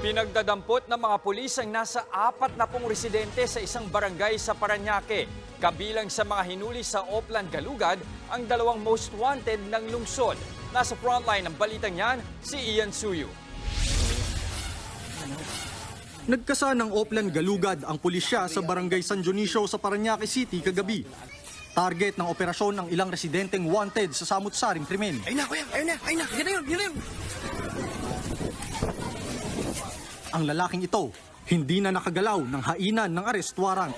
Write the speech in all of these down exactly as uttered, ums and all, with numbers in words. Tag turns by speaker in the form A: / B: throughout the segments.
A: Pinagdadampot ng mga pulis ang nasa apat na pong residente sa isang barangay sa Parañaque. Kabilang sa mga hinuli sa Oplan Galugad ang dalawang most wanted ng lungsod. Nasa frontline ng balitang yan, si Ian Suyu.
B: Nagkasa ng Oplan Galugad ang pulisya sa barangay San Dionisio sa Parañaque City kagabi. Target ng operasyon ang ilang residenteng wanted sa samut-saring krimen.
C: Ayun na, kuya! Ayun na! Ayun na! Yan na yun! Yan na yun!
B: Ang lalaking ito, hindi na nakagalaw ng hainan ng arrest warrant.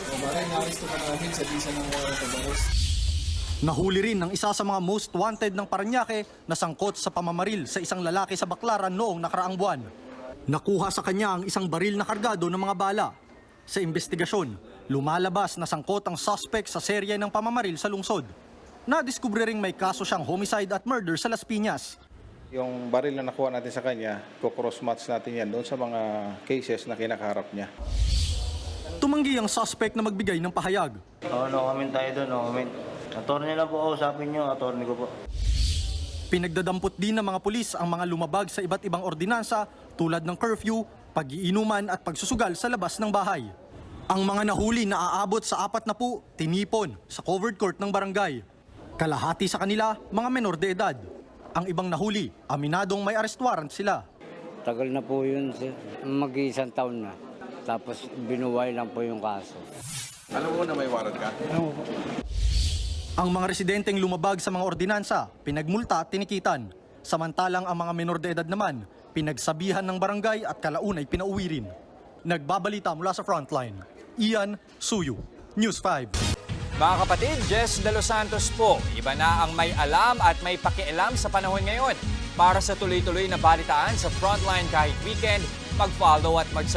B: Nahuli rin ng isa sa mga most wanted ng Parañaque na sangkot sa pamamaril sa isang lalaki sa Baclaran noong nakaraang buwan. Nakuha sa kanya ang isang baril na kargado ng mga bala. Sa investigasyon, lumalabas na sangkot ang suspect sa serye ng pamamaril sa lungsod. Nadiskubre ring may kaso siyang homicide at murder sa Las Piñas.
D: Yung baril na nakuha natin sa kanya, kukross-match natin yan doon sa mga cases na kinakaharap niya.
B: Tumanggi ang suspect na magbigay ng pahayag.
E: Oo, no comment tayo doon, no comment. Attorney lang po, kausapin nyo, attorney ko po.
B: Pinagdadampot din ng mga pulis ang mga lumabag sa iba't ibang ordinansa tulad ng curfew, pag-iinuman at pagsusugal sa labas ng bahay. Ang mga nahuli na aabot sa apat na po, tinipon sa covered court ng barangay. Kalahati sa kanila, mga menor de edad. Ang ibang nahuli, aminadong may arrest warrant sila.
F: Tagal na po yun, sir. Mag-iisang taon na. Tapos binuway lang po yung kaso.
D: Alam mo na may warrant ka?
B: Ang mga residenteng lumabag sa mga ordinansa, pinagmulta at tinikitan. Samantalang ang mga menor de edad naman, pinagsabihan ng barangay at kalaunay pinauwi rin. Nagbabalita mula sa frontline. Ian Suyu, News five.
A: Mga kapatid, Jess De Los Santos po. Iba na ang may alam at may pakialam sa panahon ngayon. Para sa tuloy-tuloy na balitaan sa Frontline kahit weekend, mag-follow at mag